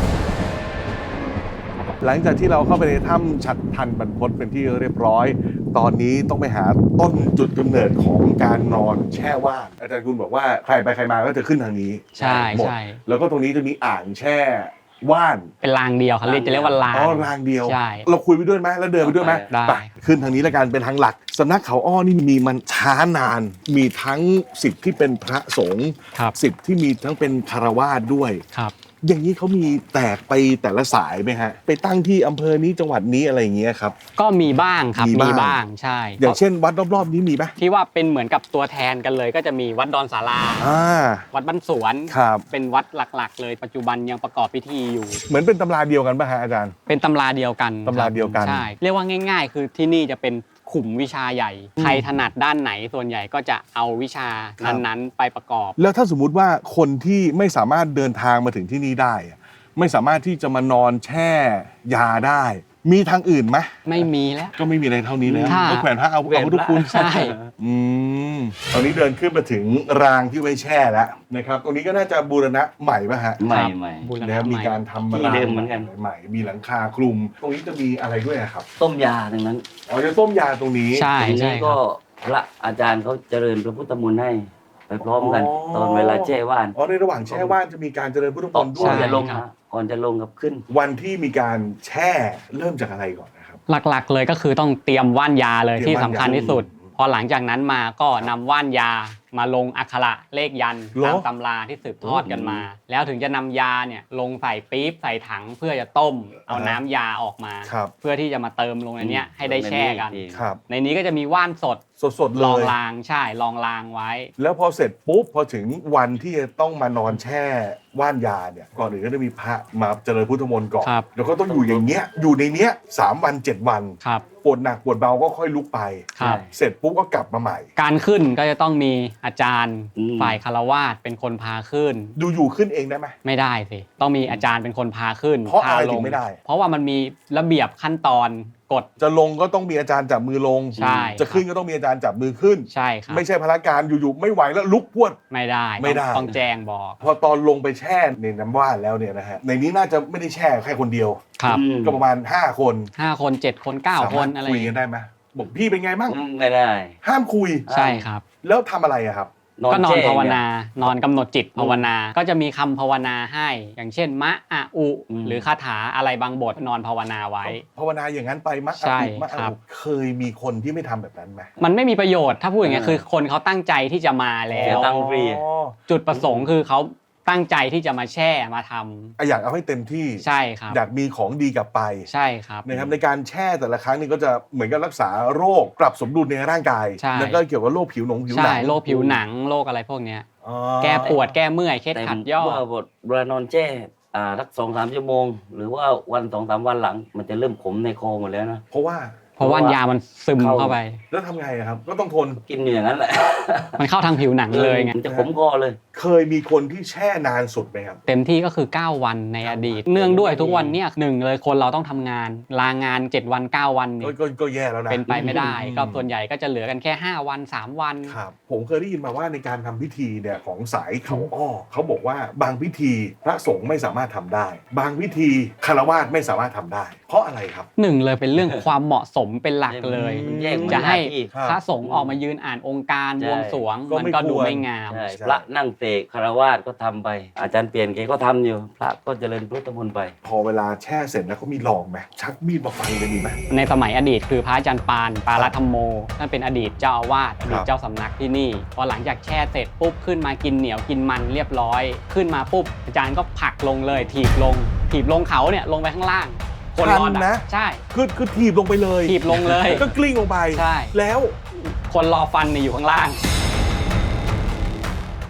[SPEAKER 1] หลังจากที่เราเข้าไปในถ้ำฉัตรพันบรรพตเป็นที่เรียบร้อย ตอนนี้ต้องไปหาต้นจุดกำเนิดของการนอนแช่ว่านอาจารย์คุณบอกว่าใครไปใครมาก็จะขึ้นทางนี้
[SPEAKER 3] ใช่
[SPEAKER 1] หมด
[SPEAKER 3] ใช่
[SPEAKER 1] แล้วก็ตรงนี้จะมีอ่างแช่ว่าน
[SPEAKER 3] เป็นรางเดียวเขาเรียกจะเรียกว่าราง
[SPEAKER 1] อ๋อรางเดียว
[SPEAKER 3] ใช่
[SPEAKER 1] เราคุยไปด้วยไหมแล้วเดินไปด้วยไหม
[SPEAKER 3] ได้
[SPEAKER 1] ไปขึ้นทางนี้แล้วกันเป็นทางหลักสำนักเขาอ้อนี่มีมันช้านาน มีทั้งสิทธิ์ที่เป็นพระสงฆ์
[SPEAKER 3] ครับ
[SPEAKER 1] สิทธิ์ที่มีทั้งเป็นคารวาสด้วย
[SPEAKER 3] ครับ
[SPEAKER 1] อย่างนี้เขามีแตกไปแต่ละสายไหมฮะไปตั้งที่อำเภอนี้จังหวัดนี้อะไรอย่างเงี้ยครับ
[SPEAKER 3] ก็มีบ้างครับ
[SPEAKER 1] มี
[SPEAKER 3] มี
[SPEAKER 1] บ้าง
[SPEAKER 3] บ้างใช่
[SPEAKER 1] อย่างเช่นวัดรอบๆนี้มีไหม
[SPEAKER 3] ที่ว่าเป็นเหมือนกับตัวแทนกันเลย ก็จะมีวัดดอนสารา
[SPEAKER 1] อ่า
[SPEAKER 3] วัดบ้านสวน
[SPEAKER 1] ครับ
[SPEAKER 3] เป็นวัดหลักๆ เลยปัจจุบันยังประกอบพิธีอยู่
[SPEAKER 1] เหมือนเป็นตำราเดียวกันป่ะฮะอาจารย์
[SPEAKER 3] เป็นตำราเดียวกัน
[SPEAKER 1] ตำราเดียวกัน
[SPEAKER 3] ใช่เรียกว่าง่าย ๆ คือที่นี่จะเป็นขุมวิชาใหญ่ ใครถนัดด้านไหนส่วนใหญ่ก็จะเอาวิชานั้นๆ ไปประกอบ
[SPEAKER 1] แล้วถ้าสมมุติว่าคนที่ไม่สามารถเดินทางมาถึงที่นี่ได้อะไม่สามารถที่จะมานอนแช่ยาได้ มีทางอื่นไหม
[SPEAKER 3] ไม่มีแล้ว
[SPEAKER 1] ก็ไม่มีอะไรเท่านี้แล้ว
[SPEAKER 3] ค่ะ
[SPEAKER 1] ก็แขวนพระเอาเอาพุทธคุณ
[SPEAKER 3] ใช่
[SPEAKER 1] อืมตอนนี้เดินขึ้นมาถึงรางที่ไว้แช่แล้วนะครับตรงนี้ก็น่าจะบูรณะใหม่ป่ะฮะ
[SPEAKER 5] ใหม่ใหม่
[SPEAKER 3] บูรณะ
[SPEAKER 1] นะครับ
[SPEAKER 3] ให
[SPEAKER 1] มีการทำ
[SPEAKER 5] ที่
[SPEAKER 1] ราง
[SPEAKER 5] เดิมเหมือนกัน
[SPEAKER 1] ใหม่มีหลังคาคลุม ตรงนี้จะมีอะไรด้วยอะครับ
[SPEAKER 5] ต้มยาทั้งนั้น
[SPEAKER 1] อ๋อจะต้มยาตรงนี้
[SPEAKER 3] ใช่
[SPEAKER 5] ที
[SPEAKER 3] ใช่
[SPEAKER 5] นี้
[SPEAKER 3] ค
[SPEAKER 5] ก็
[SPEAKER 3] รับ
[SPEAKER 5] พระอาจารย์เขาเจริญพระพุทธมนต์ให้ไปพร้อมกัน
[SPEAKER 1] อ๋อ
[SPEAKER 5] ตอนเวลาแช่ว่าน
[SPEAKER 1] อ๋อในระหว่างแช่ว่านจะมีการเจริญพุทธม
[SPEAKER 5] ก่อน
[SPEAKER 1] นต์ด้
[SPEAKER 5] ก่
[SPEAKER 1] ว
[SPEAKER 5] อน
[SPEAKER 1] ย
[SPEAKER 5] จะลง
[SPEAKER 3] ครั
[SPEAKER 5] นะ
[SPEAKER 3] บ
[SPEAKER 5] ก่อนจะลงกับขึ้น
[SPEAKER 1] วันที่มีการแช่เริ่มจากอะไรก่อนนะครับ
[SPEAKER 3] หลักๆ เลยก็คือต้องเตรียมว่านยาเลย
[SPEAKER 1] เตรียม
[SPEAKER 3] ที่สำคัญ
[SPEAKER 1] ว่านยา
[SPEAKER 3] ที่สุด พอหลังจากนั้นมาก็นำว่านยามาลงอักขระเลขยันต์
[SPEAKER 1] เหรอ
[SPEAKER 3] ตามตำราที่สืบทอดกันมา แล้วถึงจะนำยาเนี่ยลงใส่ปี๊บใส่ถังเพื่อจะต้มเอาน้ำยาออกมา
[SPEAKER 1] ครับ
[SPEAKER 3] เพื่อที่จะมาเติมลงในเนี้ยให้ได้แช่กัน
[SPEAKER 1] ครับ
[SPEAKER 3] ในนี้ก็จะมีว่านสด
[SPEAKER 1] สดๆเล
[SPEAKER 3] รอง
[SPEAKER 1] ย
[SPEAKER 3] รางใช่รองรางไว้
[SPEAKER 1] แล้วพอเสร็จปุ๊บพอถึงวันที่จะต้องมานอนแช่ว่านยาเนี่ยก่อนอื่นก็จะมีพระมาเจริญพุทธมนต์ก่อน
[SPEAKER 3] ครับ
[SPEAKER 1] แล้วก็ต้องอยู่อย่างเงี้ยอยู่ในเนี้ยสามวันเจ็ดวัน
[SPEAKER 3] ครับ
[SPEAKER 1] ปวดหนักปวดเบาก็ค่อยลุกไป
[SPEAKER 3] ครับ
[SPEAKER 1] เสร็จปุ๊บก็กลับมาใหม่
[SPEAKER 3] การขึ้นก็จะต้องมีอาจารย์
[SPEAKER 5] อืม
[SPEAKER 3] ฝ่ายคารวาสเป็นคนพาขึ้น
[SPEAKER 1] ดูอยู่ขึ้นเองได้ไหม
[SPEAKER 3] ไม่ได้สิต้องมีอาจารย์เป็นคนพาขึ้น
[SPEAKER 1] เพราะอะไร
[SPEAKER 3] พล
[SPEAKER 1] ถึงไม่ได้
[SPEAKER 3] เพราะว่ามันมีระเบียบขั้นตอนกฎ
[SPEAKER 1] จะลงก็ต้องมีอาจารย์จับมือลง
[SPEAKER 3] ใช่
[SPEAKER 1] จะขึ้นก็ต้องมีอาจารย์จับมือขึ้น
[SPEAKER 3] ใช่ครับ
[SPEAKER 1] ไม่ใช่พละการอยู่ๆไม่ไหวแล้วลุกพรวด
[SPEAKER 3] ไม่ได้
[SPEAKER 1] ไม่ได้
[SPEAKER 3] ต้องต้องแจ้งบอก
[SPEAKER 1] พอตอนลงไปแช่ในน้ำว่านแล้วเนี่ยนะฮะในนี้น่าจะไม่ได้แช่แค่คนเดียว
[SPEAKER 3] ครับ
[SPEAKER 5] อืม
[SPEAKER 1] ก็ประมาณห้าคน
[SPEAKER 3] ห้าคนเจ็ดคนเก้า
[SPEAKER 1] สา
[SPEAKER 3] ค
[SPEAKER 1] มาร
[SPEAKER 3] น
[SPEAKER 1] ถ
[SPEAKER 3] อะไร
[SPEAKER 1] คุยกันได้ไหมบอกพี่เป็นไงบ้าง
[SPEAKER 5] อืมไม่ได้
[SPEAKER 1] ห้ามคุย
[SPEAKER 3] ใช่ครับ
[SPEAKER 1] แล้วทำอะไรอะครับ
[SPEAKER 3] ก็นอน
[SPEAKER 5] แช่
[SPEAKER 3] ภาว
[SPEAKER 5] เย
[SPEAKER 3] นา นอนกำหนดจิตภาวนา ก็จะมีคำภาวนาให้ อย่างเช่น มะอะอุ
[SPEAKER 5] อืม
[SPEAKER 3] หรือคาถาอะไรบางบทนอนภาวนาไว้
[SPEAKER 1] ภาวนาอย่างนั้นไปมัก
[SPEAKER 3] ใช่
[SPEAKER 1] มัก
[SPEAKER 3] ครับ
[SPEAKER 1] เคยมีคนที่ไม่ทำแบบนั้นไหม
[SPEAKER 3] มันไม่มีประโยชน์ถ้าพูดอย่างเงี้ยคือคนเขาตั้งใจที่จะมาแล้
[SPEAKER 5] เสียว ตังค์ฟรี
[SPEAKER 1] อ๋อ
[SPEAKER 3] จุดประสงค์คือเขาตั้งใจที่จะมาแช่มาทำ
[SPEAKER 1] อ่ะอยากเอาให้เต็มที่
[SPEAKER 3] ใช่ครับ
[SPEAKER 1] อยากมีของดีกลับไป
[SPEAKER 3] ใช่ครับ
[SPEAKER 1] นะครับในการแช่แต่ละครั้งนี่ก็จะเหมือนกับรักษาโรคปรับสมดุลในร่างกาย
[SPEAKER 3] ใช่
[SPEAKER 1] แล้วก็เกี่ยวกับโรคผิวหนงผิวห
[SPEAKER 3] ใช่
[SPEAKER 1] นัง
[SPEAKER 3] โรคผิวหนังโรคอะไรพวกเนี้ย
[SPEAKER 1] อ๋อ
[SPEAKER 3] แก้ปวดแก้เมื่อยเคล็ด
[SPEAKER 5] แต่
[SPEAKER 3] ขัดย่อ
[SPEAKER 5] ว่าบทเวลานอนแช่อ่าสักสองสามชั่วโมง หรือว่าวันสองสามวันหลัง มันจะเริ่มขมในคอหมดแล้วนะ
[SPEAKER 1] เพราะว่า
[SPEAKER 3] เพราะว่ายามันซึม
[SPEAKER 5] เข้า
[SPEAKER 3] เข้าไป
[SPEAKER 1] แล้วทำไงอะครับก็ต้องทน
[SPEAKER 5] กินอยู่อย่างนั้นแหละ
[SPEAKER 3] มันเข้าทางผิวหนังเลยไง
[SPEAKER 5] มันจะขมคอเลย
[SPEAKER 1] เคยมีคนที่แช่นานสุดไหมครับ
[SPEAKER 3] เต็มที่ก็คือเก้าวันในอดีต เนื่องด้วยทุกวันเนี่ยหนึ่งเลยคนเราต้องทำงาน ลางานเจ็ดวันเก้าวัน
[SPEAKER 1] ก็
[SPEAKER 3] เนี่ย
[SPEAKER 1] ก็ก็แย่แล้วนะ
[SPEAKER 3] เป็นไปไม่ได้
[SPEAKER 1] อืม
[SPEAKER 3] ก็ส่วนใหญ่ก็จะเหลือกันแค่ห้าวันสามวัน
[SPEAKER 1] ครับผมเคยได้ยินมาว่าในการทำพิธีเนี่ยของสายเขาอ้อเขาบอกว่าบางพิธีพระสงฆ์ไม่สามารถทำได้ บางพิธีคารวาสไม่สามารถทำได้ เพราะอะไรครับ
[SPEAKER 3] หนึ่งเลยเป็นเรื่องความเหมาะสมเป็นหลักเลย
[SPEAKER 5] มันแยก
[SPEAKER 3] จะให้
[SPEAKER 5] น้าที่
[SPEAKER 1] ครับ
[SPEAKER 3] พระสงฆ์ออกมายืนอ่านองค์การ
[SPEAKER 5] ใช่
[SPEAKER 3] บวงสรวง
[SPEAKER 1] ก็
[SPEAKER 3] มัน
[SPEAKER 1] ไม่
[SPEAKER 3] ก็ดู
[SPEAKER 1] ควร
[SPEAKER 3] ไม่งาม
[SPEAKER 5] ใช่
[SPEAKER 1] ใช่
[SPEAKER 5] พระนั่งเสกคารวาสก็ทำไป อาจารย์เปลี่ยนแกก็ทำอยู่ พระก็เจริญพุทธมนต์ไป
[SPEAKER 1] พอเวลาแช่เสร็จแล้วเขามีลองไหมชักมีดมาฟันเลยมีไหม
[SPEAKER 3] ในสมัยอดีตคือพระอาจารย์ปานปารัธรรมโมนั่นเป็นอดีตเจ้าอาวาสอดีตเจ้าสำนักที่นี่พอหลังจากแช่เสร็จปุ๊บขึ้นมากินเหนียวกินมันเรียบร้อย ขึ้นมาปุ๊บอาจารย์ก็ผลักลงเลยถีบลง ถีบลงเขาเนี่ยลงไปข้างล่าง คนรอด
[SPEAKER 1] ทันนะ
[SPEAKER 3] ใช่
[SPEAKER 1] คือคือถีบลงไปเลย
[SPEAKER 3] ถีบลงเลย
[SPEAKER 1] ก็กลิ้งลงไป
[SPEAKER 3] ใช่
[SPEAKER 1] แล้ว
[SPEAKER 3] คนรอฟันเนี่ยอยู่ข้างล่าง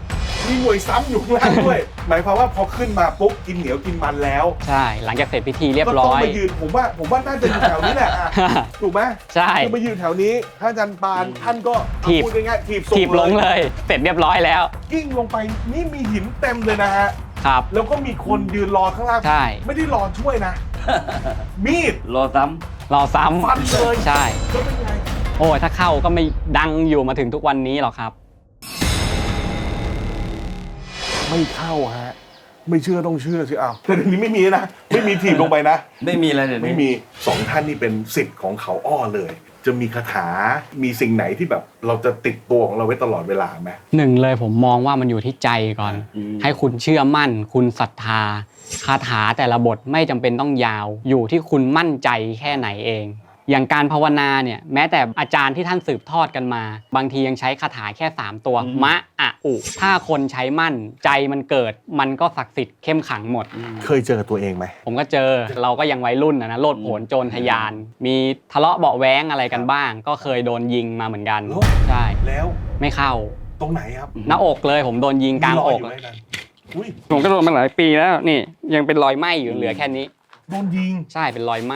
[SPEAKER 1] มีหน่วยซ้ำอยู่ข้างล่างด้วย หมายความว่าพอขึ้นมาปุ๊บกินเหนียวกินมันแล้ว
[SPEAKER 3] ใช่หลังจากเสร็จพิธีเรียบ
[SPEAKER 1] ก็
[SPEAKER 3] ร้
[SPEAKER 1] ต้อง
[SPEAKER 3] อย
[SPEAKER 1] มายืนผมว่าผมว่าน่าจะอยู่แถวนี้แหละอะ ถูกไหม
[SPEAKER 3] ใช่
[SPEAKER 1] คือมายืนแถวนี้พระอาจารย์ปานท่านก็
[SPEAKER 3] ถีบ
[SPEAKER 1] พูดง่ายๆถีบส่
[SPEAKER 3] ถีบลงเลย เสร็จเรียบร้อยแล้ว
[SPEAKER 1] กิ้งลงไปนี่มีหินเต็มเลยนะฮะ
[SPEAKER 3] ครับ
[SPEAKER 1] แล้วก็มีคนยืนรอข้างล่าง
[SPEAKER 3] ใช่
[SPEAKER 1] ไม่ได้รอช่วยนะ มีด
[SPEAKER 5] รอซ้
[SPEAKER 3] รอซ้ำ
[SPEAKER 1] ฟันเลย
[SPEAKER 3] ใช่
[SPEAKER 1] ก็เป็นไง
[SPEAKER 3] โอ้ยถ้าเข้าก็ไม่ดังอยู่มาถึงทุกวันนี้หรอกครับ
[SPEAKER 1] ไม่เข้าฮะไม่เชื่อต้องเชื่อสิอ้าวแต่เดี๋ยวนี้ไม่มีนะไม่มีถีบลงไปนะ
[SPEAKER 5] ำไม่มีอะไรเลย
[SPEAKER 1] ไม่มีสองท่านนี่เป็นศิษย์ของเขาอ้อเลย จะมีคาถา มีสิ่งไหนที่แบบเราจะติดตัวของเราไว้ตลอดเวลาไหม
[SPEAKER 3] หนึ่งเลยผมมองว่ามันอยู่ที่ใจก่อน ให้คุณเชื่อมั่น คุณศรัทธาคาถาแต่ละบทไม่จำเป็นต้องยาว อยู่ที่คุณมั่นใจแค่ไหนเอง อย่างการภาวนาเนี่ยแม้แต่อาจารย์ที่ท่านสืบทอดกันมา บางทียังใช้คาถาแค่สามตัว มะอะอุถ้าคนใช้มั่นใจมันเกิด มันก็ศักดิ์สิทธิ์เข้มขังหมด
[SPEAKER 1] เคยเจอตัวเองไหม
[SPEAKER 3] ผมก็เจอเราก็ยังวัยรุ่นนะนะโลดโผนโจรทะยาน มีทะเลาะเบาะแว้งอะไรกันบ้าง ก็เคยโดนยิงมาเหมือนกัน
[SPEAKER 1] เหรอ
[SPEAKER 3] ใช่
[SPEAKER 1] แล้ว
[SPEAKER 3] ไม่เข้า
[SPEAKER 1] ตรงไหนครับ
[SPEAKER 3] หน้าอกเลยผมโดนยิงกลางอก
[SPEAKER 1] มีรยยู่ไหมนั่นอุ้ย
[SPEAKER 3] ผมก็โดนมาหลายปีแล้วนี่ยังเป็นรอยไหม้อยู่เหลือแค่นี้
[SPEAKER 1] โดนยิง
[SPEAKER 3] ใช่เป็นรอยไหม้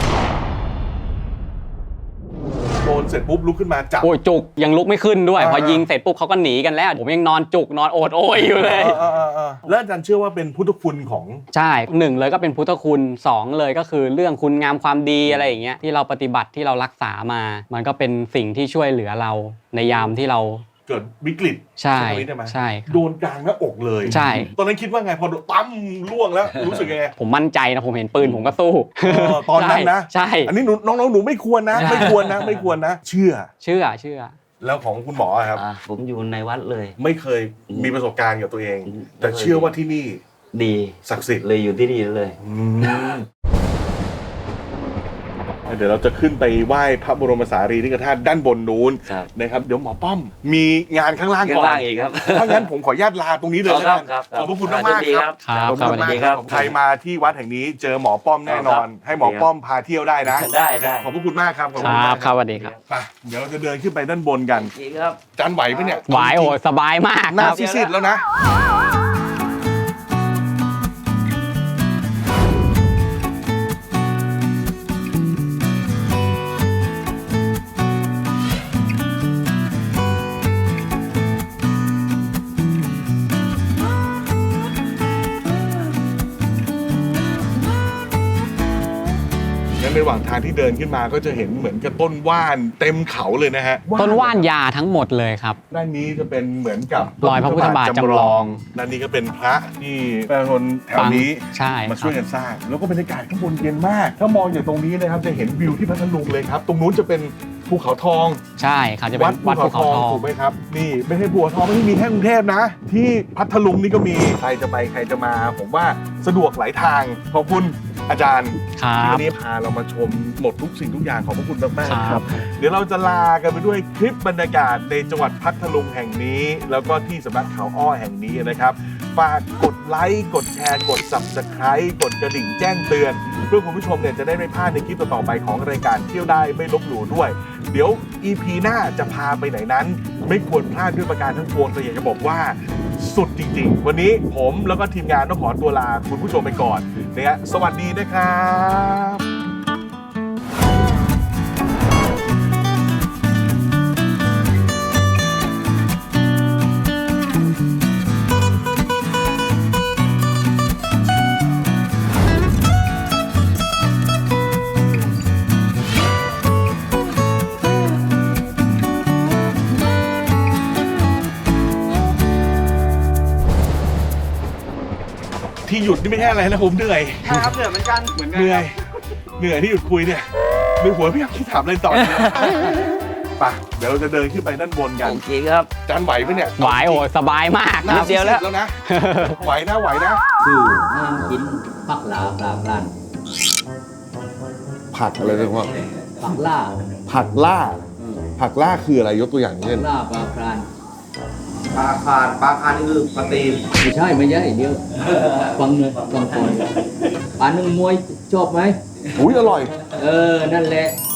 [SPEAKER 1] โดนเสร็จปุ๊บลุกขึ้นมาจับ
[SPEAKER 3] โอ้ยจุกยังลุกไม่ขึ้นด้วย
[SPEAKER 1] อ่า
[SPEAKER 3] พอยิงเสร็จปุ๊บเขาก็หนีกันแล้ว ผมยังนอนจุกนอนโอดโอยอยู่เลย
[SPEAKER 1] เออเออเออแล้วอาจารย์เชื่อว่าเป็นพุทธคุณของ
[SPEAKER 3] ใช่หนึ่งเลยก็เป็นพุทธคุณสองเลยก็คือเรื่องคุณงามความดีอะไรอย่างเงี้ยที่เราปฏิบัติที่เรารักษามา มันก็เป็นสิ่งที่ช่วยเหลือเราในยามที่เรา
[SPEAKER 1] เกิดวิกฤต
[SPEAKER 3] ใช่
[SPEAKER 1] ไหมได้ไหม
[SPEAKER 3] ใช่ครับ
[SPEAKER 1] โดนกลางหน้าอกเลย
[SPEAKER 3] ใช่
[SPEAKER 1] ตอนนั้นคิดว่าไงพอโดนตั้มล่วงแล้วรู้สึกยังไง
[SPEAKER 3] ผมมั่นใจนะผมเห็นปืนผมก็สู้
[SPEAKER 1] เออตอนนั้นนะ
[SPEAKER 3] ใช่
[SPEAKER 1] อันนี้หนูน้องๆหนูไม่ควรนะ
[SPEAKER 3] ใช่
[SPEAKER 1] ไม่ควรนะ ไม่ควรนะ เชื่อ
[SPEAKER 3] เชื่อเชื่อ
[SPEAKER 1] แล้วของคุณหมออะครับ
[SPEAKER 5] อ่าผมอยู่ในวัดเลย
[SPEAKER 1] ไม่เคยมีประสบการณ์กับตัวเอง
[SPEAKER 5] อืม
[SPEAKER 1] แต่เชื่อว่าที่นี่
[SPEAKER 5] ดี
[SPEAKER 1] ศักดิ์สิทธิ์
[SPEAKER 5] เลยอยู่ที่นี่เลย
[SPEAKER 1] อืมเดี๋ยวเราจะขึ้นไปไหว้พระบรมสารีริกธาตุด้านบนนู้น
[SPEAKER 5] ครับ
[SPEAKER 1] นะครับ เดี๋ยวหมอป้อมมีงานข้างล่าง
[SPEAKER 5] ข้า
[SPEAKER 1] ก่
[SPEAKER 5] ง
[SPEAKER 1] อน
[SPEAKER 5] ล่างอีกครับ
[SPEAKER 1] ถ้างั้นผมขออนุญาตลาตรงนี้เลย
[SPEAKER 5] ค
[SPEAKER 1] แล้ว
[SPEAKER 5] รั
[SPEAKER 1] กับ น
[SPEAKER 5] ครับ
[SPEAKER 1] ขอบพระคุณมากๆครับ
[SPEAKER 3] ครับ
[SPEAKER 1] ขอบคุณ
[SPEAKER 3] สวัส
[SPEAKER 1] มาก
[SPEAKER 3] ดี
[SPEAKER 1] ค
[SPEAKER 3] ครั
[SPEAKER 1] รับบ ใครมาที่วัดแห่งนี้เจอหมอป้อมแน่นอน ให้หมอป้อมพาเที่ยวได้นะ
[SPEAKER 5] ได้ได้
[SPEAKER 1] ขอบพระคุณมากครับขอบ
[SPEAKER 3] ค
[SPEAKER 1] คุณ
[SPEAKER 3] รั
[SPEAKER 1] มา
[SPEAKER 3] บ
[SPEAKER 1] ก
[SPEAKER 3] ครับสวัสดีครับ
[SPEAKER 1] ไปเดี๋ยวเราจะเดินขึ้นไปด้านบนกัน
[SPEAKER 5] จริงครับ
[SPEAKER 1] จานไหวไหมเนี่ย
[SPEAKER 3] หวายโอ้ยสบายมาก
[SPEAKER 1] หน้า
[SPEAKER 3] ครับ
[SPEAKER 1] ซีดๆแล้วนะ งั้นในระหว่างทางที่เดินขึ้นมาก็จะเห็นเหมือนกับต้นว่านเต็มเขาเลยนะฮะ
[SPEAKER 3] ต้นว่านยาทั้งหมดเลยครับ
[SPEAKER 1] ด้านนี้จะเป็นเหมือนกับ
[SPEAKER 3] รอยพระพุทธบาทจำลอง
[SPEAKER 1] ด้านนี้ก็เป็นพระที่ประชาชนแถวนี้
[SPEAKER 3] ใช่
[SPEAKER 1] มา
[SPEAKER 3] ค
[SPEAKER 1] ช่
[SPEAKER 3] รั
[SPEAKER 1] วย
[SPEAKER 3] บ
[SPEAKER 1] กันสร้าง แล้วก็บรรยากาศข้างบนเย็นมาก ถ้ามองจากตรงนี้นะครับจะเห็นวิวที่พัทลุงเลยครับ ตรงนู้นจะเป็นภูเขาทอง
[SPEAKER 3] ใช่ครับจะเป็
[SPEAKER 1] วัด
[SPEAKER 3] น
[SPEAKER 1] ภู
[SPEAKER 3] วัดภู
[SPEAKER 1] เขา
[SPEAKER 3] เขา
[SPEAKER 1] ทอง
[SPEAKER 3] ทอง
[SPEAKER 1] ถูกไหมครับ นี่ไม่ใช่ภูเขาทองไม่ได้มีแค่กรุงเทพนะ ที่พัทลุงนี่ก็มีใครจะไปใครจะมา ผมว่าสะดวกหลายทางขอบคุณอาจารย์
[SPEAKER 3] ครั
[SPEAKER 1] ที่
[SPEAKER 3] บ
[SPEAKER 1] วันนี้พาเรามาชมหมดทุกสิ่งทุกอย่างขอบพระคุณมากๆ
[SPEAKER 3] ค
[SPEAKER 1] ค
[SPEAKER 3] รั
[SPEAKER 1] รับ บ เดี๋ยวเราจะลากันไปด้วยคลิปบรรยากาศในจังหวัดพัทลุงแห่งนี้ แล้วก็ที่สำนักเขาอ้อแห่งนี้นะครับฝากกดไลค์กดแชร์กด ซับสไครบ์ กดกระดิ่งแจ้งเตือน เพื่อคุณผู้ชมเนี่ยจะได้ไม่พลาดในคลิปต่อๆไปของรายการเที่ยวได้ไม่ลบหลู่ด้วย เดี๋ยว อี พี หน้าจะพาไปไหนนั้น ไม่ควรพลาดด้วยประการทั้งปวงแต่อยากจะบอกว่าสุดจริงๆ วันนี้ผมแล้วก็ทีมงานต้องขอตัวลาคุณผู้ชมไปก่อนเนี่ยสวัสดีนะครับ ที่หยุดนี่ไม่ใช่อะไรนะผมเหนื่อย
[SPEAKER 3] ครับเหนื่อยเหมือนกันเหมือนกัน
[SPEAKER 1] เหนื่อยเหนื่อยที่หยุดคุยเนี่ยในหัวพี่อยากคิดถามอะไรต่อเนี่ยไปเดี๋ยวเราจะเดินขึ้นไปด้านบนกัน
[SPEAKER 5] โอเคครับ
[SPEAKER 1] จานไหวไหมเนี่ย
[SPEAKER 3] หวายโอ้ยสบายมาก
[SPEAKER 1] หน้า
[SPEAKER 3] ครับ
[SPEAKER 1] เดียวแล้วแล้วนะไหวนะไหวนะ
[SPEAKER 2] คือห้ามกินผักลาปลาปลาน
[SPEAKER 1] ผักอะไรนะพ่อ
[SPEAKER 2] ผักล่า
[SPEAKER 1] ผักล่า
[SPEAKER 2] เออ
[SPEAKER 1] ผักล่าคืออะไรยกตัวอย่าง
[SPEAKER 2] ผั
[SPEAKER 1] เช่
[SPEAKER 2] ก
[SPEAKER 1] น
[SPEAKER 2] ล่าปลาปลาน
[SPEAKER 6] ปลาคานปลาคานนี่คือปลาตีน
[SPEAKER 2] ไม่ใช่ไม่ใช่เดี๋ยวฟังเลยฟังก่อนปลาหนึ่งมวยชอบไหม
[SPEAKER 1] อุ้ยอร่อย
[SPEAKER 2] เออ นั่นแหละ